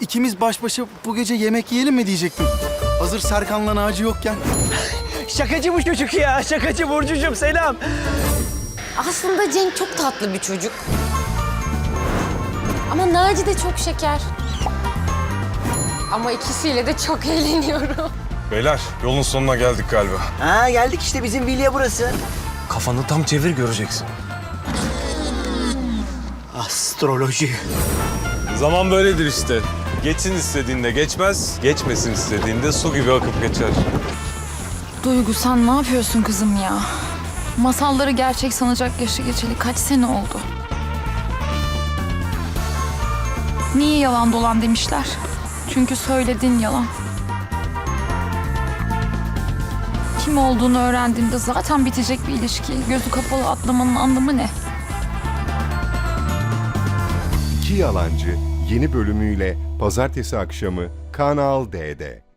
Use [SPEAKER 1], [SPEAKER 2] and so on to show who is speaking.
[SPEAKER 1] ikimiz baş başa bu gece yemek yiyelim mi diyecektim. Hazır Serkan'la Naci yokken.
[SPEAKER 2] Şakacı bu çocuk ya. Şakacı Burcucuğum, selam.
[SPEAKER 3] Aslında Cenk çok tatlı bir çocuk. Ama Naci de çok şeker. Ama ikisiyle de çok eğleniyorum.
[SPEAKER 4] Beyler yolun sonuna geldik galiba.
[SPEAKER 2] Ha, geldik işte, bizim vilya burası.
[SPEAKER 4] Kafanı tam çevir göreceksin.
[SPEAKER 2] Astroloji.
[SPEAKER 4] Zaman böyledir işte. Geçsin istediğinde geçmez, geçmesin istediğinde su gibi akıp geçer.
[SPEAKER 5] Duygu sen ne yapıyorsun kızım ya? Masalları gerçek sanacak yaşı geçeli kaç sene oldu? Niye yalan dolan demişler? Çünkü söyledin yalan. Kim olduğunu öğrendiğinde zaten bitecek bir ilişki. Gözü kapalı atlamanın anlamı ne?
[SPEAKER 6] İki Yalancı yeni bölümüyle pazartesi akşamı Kanal D'de.